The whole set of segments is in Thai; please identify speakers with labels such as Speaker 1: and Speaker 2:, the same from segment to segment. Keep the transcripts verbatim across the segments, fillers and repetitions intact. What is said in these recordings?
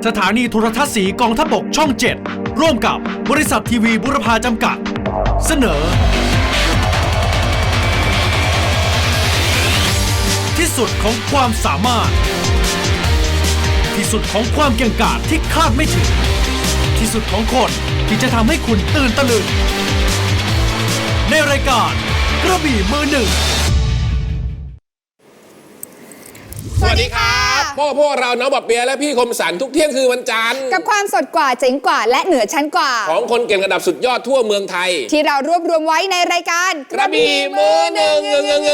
Speaker 1: สถานีโทรทัศน์สีกองทัพบกช่องเจ็ดร่วมกับบริษัททีวีบุรพาจำกัดเสนอที่สุดของความสามารถที่สุดของความเก่งกาจที่คาดไม่ถึงที่สุดของคนที่จะทำให้คุณตื่นตะลึงในรายการกระบี่มือหนึ่ง
Speaker 2: สวัสดีครับพวกพวกเราน้องบอบเปียและพี่คมสันทุกเที่ยงคือวันจันทร์
Speaker 3: กับความสดกว่าเจ๋งกว่าและเหนือชั้นกว่า
Speaker 2: ของคนเก่งระดับสุดยอดทั่วเมืองไทย
Speaker 3: ที่เรารวบรวมไว้ในรายการ
Speaker 2: กระบี่มือหนึ่ง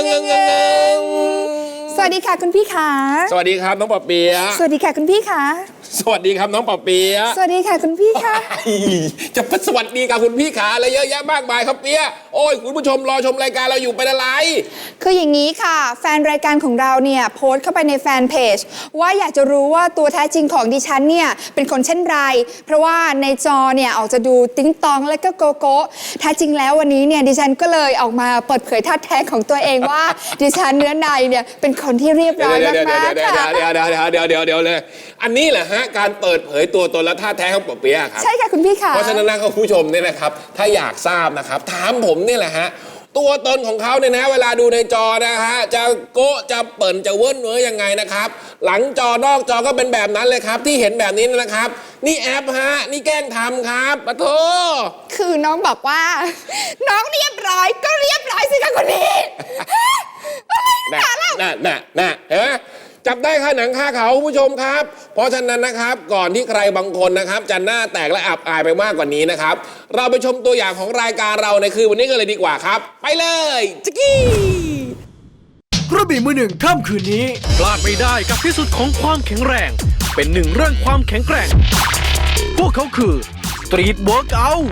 Speaker 3: สวัสดีค่ะคุณพี่ขา
Speaker 2: สวัสดีครับน้องบอบเปีย
Speaker 3: สวัสดีค่ะคุณพี่ขา
Speaker 2: สวัสดีครับน้องปอเปีย
Speaker 3: สวัสดีค่ะคุณพี่ค่ะ
Speaker 2: จะสวัสดีกับคุณพี่ขาอะไรเยอะแยะมากมายครับเปียโอ้ยคุณผู้ชมรอชมรายการเราอยู่เป็นอะไร
Speaker 3: คืออย่างนี้ค่ะแฟนรายการของเราเนี่ยโพสต์เข้าไปในแฟนเพจว่าอยากจะรู้ว่าตัวแท้จริงของดิฉันเนี่ยเป็นคนเช่นไรเพราะว่าในจอเนี่ยออกจะดูติ๊งตองและก็โกโก้แท้จริงแล้ววันนี้เนี่ยดิฉันก็เลยออกมาเปิดเผยท่าแท้ของตัวเองว่าดิฉันเนื้อในเนี่ยเป็นคนที่เรียบร้อยมากๆค่ะ
Speaker 2: เดี๋ยวเดี๋ยวเดี๋ยวเดี๋ยวเดี๋ยวเดี๋ยวเลยอันนี้แหละฮะการเปิดเผยตัวตนและท่าแท้ของปอเปียครับ
Speaker 3: ใช่ค่ะคุณพี่ค่ะ
Speaker 2: เพราะฉะนั้นนะคุณผู้ชมเนี่ยนะครับถ้าอยากทราบนะครับถามผมนี่แหละฮะตัวตนของเขาเนี่ยนะเวลาดูในจอนะฮะจะโก๊ะจะเปิ่นจะเวิ้นเว้ยยังไงนะครับหลังจอนอกจอก็เป็นแบบนั้นเลยครับที่เห็นแบบนี้นะครับนี่แอปฮะนี่แกล้งทำครับปะโถ
Speaker 3: คือน้องบอกว่าน้องเรียบร้อยก็เรียบร้อยสิคะคุณพี่
Speaker 2: น่ะน่ะน่ะน่ะเห็นไหมจับได้ค่าหนังค่าเขาผู้ชมครับเพราะฉะนั้นนะครับก่อนที่ใครบางคนนะครับจะหน้าแตกและอับอายไปมากกว่านี้นะครับเราไปชมตัวอย่างของรายการเราในคืนวันนี้กันเลยดีกว่าครับไปเลยจิกกี้
Speaker 1: กระบี่มือหนึ่งค่ำคืนนี้พลาดไม่ได้กับที่สุดของความแข็งแรงเป็นหนึ่งเรื่องความแข็งแกร่งพวกเขาคือ Street Workout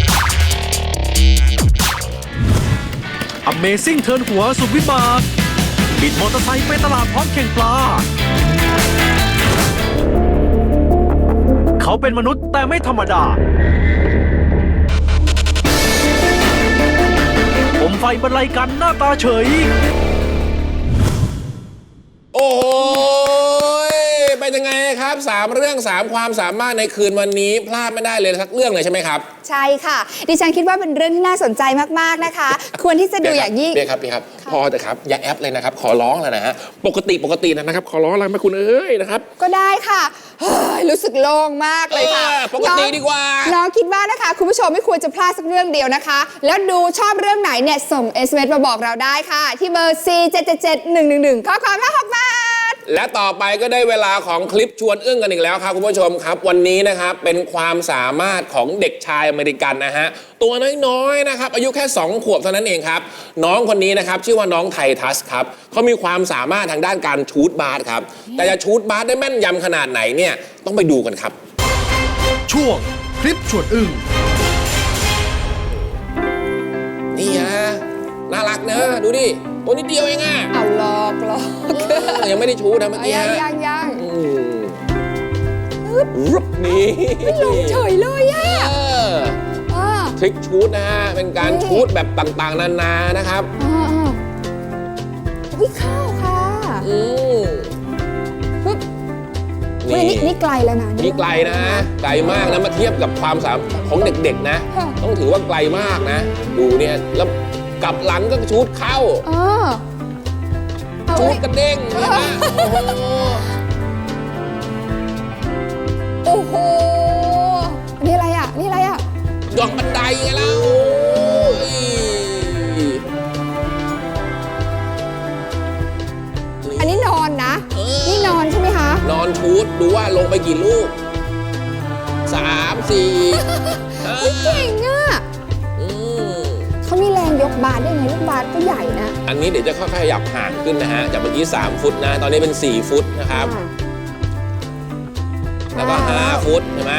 Speaker 1: Amazing เทิร์นหัวสุดวิบากบิดมอเตอร์ไซค์ไปตลาดพร้อมแข่งปลาเขาเป็นมนุษย์แต่ไม่ธรรมดาผมไฟบรรลัยกันหน้าตาเฉย
Speaker 2: โอ้โหเป็นยังไงครับสามเรื่องสามความสามารถในคืนวันนี้พลาดไม่ได้เลยสักเรื่องเลยใช่ไหมครับ
Speaker 3: ใช่ค่ะดิฉันคิดว่าเป็นเรื่องที่น่าสนใจมากๆนะคะควรที่จะดูอย่างยิ่ง
Speaker 2: พี่ครับพี่ครับพอแต่ครับอย่าแอปเลยนะครับขอร้องแล้วนะฮะปกติปกตินะครับขอร้องแล้วไหมคุณเอ้ยนะครับ
Speaker 3: ก็ได้ค่ะรู้สึกโล่งมากเลยค่ะ
Speaker 2: ปกติดีกว่า
Speaker 3: น้องคิดว่านะคะคุณผู้ชมไม่ควรจะพลาดสักเรื่องเดียวนะคะแล้วดูชอบเรื่องไหนเนี่ยส่ง เอส เอ็ม เอส มาบอกเราได้ค่ะที่เบอร์สี่ เจ็ด เจ็ด เจ็ด หนึ่ง หนึ่ง หนึ่งข้อความละหกบาท
Speaker 2: และต่อไปก็ได้เวลาของคลิปชวนอึ้งกันอีกแล้วครับคุณผู้ชมครับวันนี้นะครับเป็นความสามารถของเด็กชายอเมริกันนะฮะตัวน้อยๆนะครับอายุแค่สองขวบเท่านั้นเองครับน้องคนนี้นะครับชื่อว่าน้องไททัสครับเขามีความสามารถทางด้านการชูตบาสครับแต่จะชูตบาสได้แม่นยำขนาดไหนเนี่ยต้องไปดูกันครับ
Speaker 1: ช่วงคลิปชวนอึ้ง
Speaker 2: นี่ฮะน่ารักนะดูดิตัวนิดเดียวเองอ่ะ
Speaker 3: เอาลอกลอก
Speaker 2: ยังไม่ได้ชูนะเมื่อกี้
Speaker 3: ยังยังยัง
Speaker 2: รุบนี่
Speaker 3: ลงเฉยเลยอ่ะ
Speaker 2: ทริคชูตนะฮะเป็นการชูตแบบต่างๆนานานะครับ
Speaker 3: วิเข้าค่ะ
Speaker 2: อืม
Speaker 3: นี่นี่ไกลแล้วนะ
Speaker 2: นี่ไกลนะไกลมากนะมาเทียบกับความสามารถของเด็กๆนะต้องถือว่าไกลมากนะดูเนี่ยแล้วกลับหลังก็ชูตเข้าชูตกระเด้งนี่นะ
Speaker 3: โอ้โหนี่อะไรอ่ะนี่อะไรอ่ะ
Speaker 2: ดอกบันไดไงเล่า
Speaker 3: อันนี้นอนนะนี่นอนใช่ไหมคะ
Speaker 2: นอนชูตดูว่าลงไปกี่ลูกสามสี่
Speaker 3: เก่งอ่ะเขามีแรงยกบาสได้ไงลูกบาสก็ใหญ่นะ
Speaker 2: อันนี้เดี๋ยวจะค่อยๆขยับห่างขึ้นนะฮะจากเมื่อกี้สามฟุตนะตอนนี้เป็นสี่ฟุตนะครับแล้วก็ห้าฟุตใช่ไหม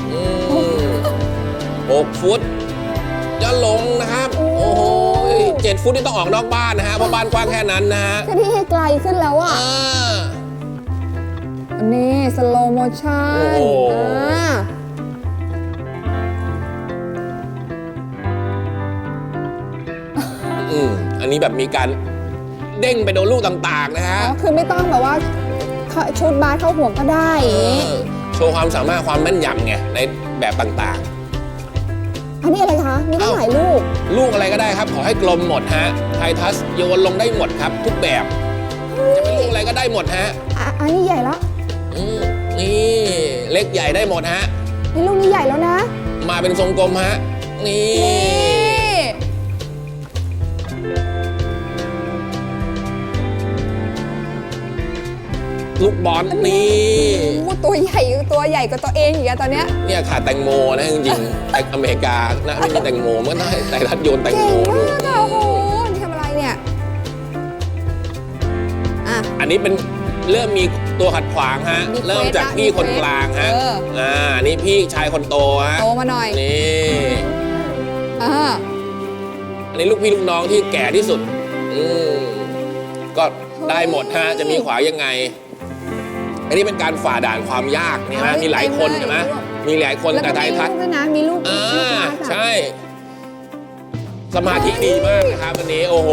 Speaker 2: หกฟุตจะลงนะครับโอ้โหเจ็ดฟุตนี่ต้องออกนอกบ้านนะฮะเพราะบ้านกว้างแค่นั้นนะฮะ
Speaker 3: แค่ที่ให้ไกลขึ้นแล้วอ่ะอันนี้สโลว์โมชั่น
Speaker 2: อันนี้แบบมีการเด้งไปโดนลูกต่างๆนะฮะ
Speaker 3: คือไม่ต้องแบบว่าชุดบาสเข้าห่วงก็ได้
Speaker 2: โชว์ความสามารถความแม่นยำไงในแบบต่าง
Speaker 3: อันนี้อะไรคะ มีตั้งหลายลูก
Speaker 2: ๆ ลูกอะไรก็ได้ครับขอให้กลมหมดฮะไททัสโยนลงได้หมดครับ ทุกแบบจะเป็นลูกอะไรก็ได้หมดฮะ
Speaker 3: อ่ะ อันนี้ใหญ่แล้ว
Speaker 2: อืมนี่เล็กใหญ่ได้หมดฮะ
Speaker 3: นี่ลูกนี้ใหญ่แล้วนะ
Speaker 2: มาเป็นทรงกลมฮะนี่
Speaker 3: นี่
Speaker 2: ลูกบอลนี่
Speaker 3: โอ้ตัวใหญ่ตัวใหญ่กว่าตัวเองอีกอะตอนเนี้ย
Speaker 2: เนี่ยขาดแตงโมนะจริงๆแต่อเมริกานะไม่มีแตงโมมันได้ไททัสโยนแตง
Speaker 3: เก่
Speaker 2: โม
Speaker 3: ง
Speaker 2: ด้ว
Speaker 3: มาย กอะโอ้โห นี่ทำอะไรเนี่ย อ่ะ
Speaker 2: อันนี้เป็นเริ่มมีตัวขัดขวางฮะ
Speaker 3: มีเควส
Speaker 2: เริ่มจากพี่คนกลางฮะ
Speaker 3: เออ
Speaker 2: อ่านี่พี่ชายคนโตฮะ
Speaker 3: โตมาหน่อย
Speaker 2: นี่
Speaker 3: อ่า
Speaker 2: อันนี้ลูกพี่ลูกน้องที่แก่ที่สุด อืมก็ได้หมดฮะ จะมีขวายังไง อันนี้เป็นการฝ่าด่านความยากนี่ไหมมีหลายคนใช่ไหมมีหลายคน
Speaker 3: แล้ว
Speaker 2: แต่
Speaker 3: ก็
Speaker 2: ไท
Speaker 3: มี
Speaker 2: ทั
Speaker 3: ลู
Speaker 2: ส
Speaker 3: กด้วยนะ มีลูก
Speaker 2: อ่า
Speaker 3: ลูกรักอะ
Speaker 2: ใช่ สมาธิดีมากนะครับวันนี้โอ้โห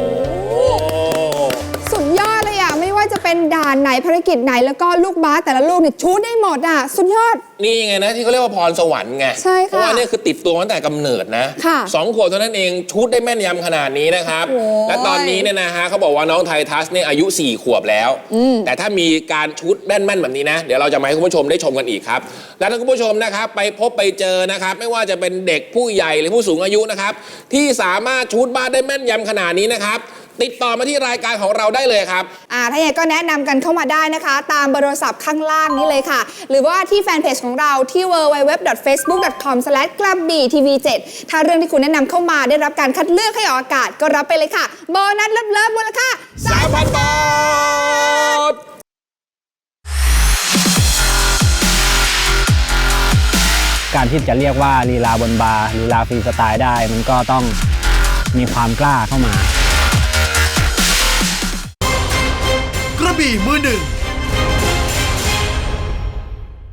Speaker 3: สุดยอดเลยอ่ะ ไม่ว่าจะเป็นด่านไหนภารกิจไหนแล้วก็ลูกบาสแต่ละลูกเนี่ยชูดได้หมดอ่ะ สุดยอด
Speaker 2: นี่ไงนะที่เขาเรียกว่าพรสวรรค์ไง
Speaker 3: ใช่ค่ะ
Speaker 2: เพราะว่านี่คือติดตัวมาตั้งแต่กำเนิดนะ
Speaker 3: ค่ะ
Speaker 2: สองขวบเท่านั้นเองชุดได้แม่นยำขนาดนี้นะครับ
Speaker 3: โอ้ย
Speaker 2: และตอนนี้เนี่ยนะฮะเขาบอกว่าน้องไททัสเนี่ยอายุสี่ขวบแล้ว แต่ถ้ามีการชุดแม่นๆแบบนี้นะ เดี๋ยวเราจะมาให้คุณผู้ชมได้ชมกันอีกครับ และถ้าคุณผู้ชมนะครับไปพบไปเจอนะครับไม่ว่าจะเป็นเด็กผู้ใหญ่หรือผู้สูงอายุนะครับที่สามารถชุดบ้านได้แม่นยำขนาดนี้นะครับติดต่อมาที่รายการของเราได้เลยครับ
Speaker 3: อ่าถ้าอย่างไรก็แนะนำกันเข้ามาได้นะคะ ตามเบอร์โทรศัพท์ข้างล่างนี้เลยค่ะ หรือว่าที่แฟนเพจของเราที่ ดับเบิลยู ดับเบิลยู ดับเบิลยู ดอท เฟซบุ๊ก ดอท คอม สแลช กระบี่ ที วี เจ็ด ถ้าเรื่องที่คุณแนะนำเข้ามาได้รับการคัดเลือกให้ออกอากาศก็รับไปเลยค่ะโบนัสเลิฟๆมูลค่า
Speaker 2: สามพัน บาท
Speaker 4: การที่จะเรียกว่าลีลาบนบาร์ลีลาฟรีสไตล์ได้ มันก็ต้องมีความกล้าเข้ามา
Speaker 1: กระบี่มือหนึ่ง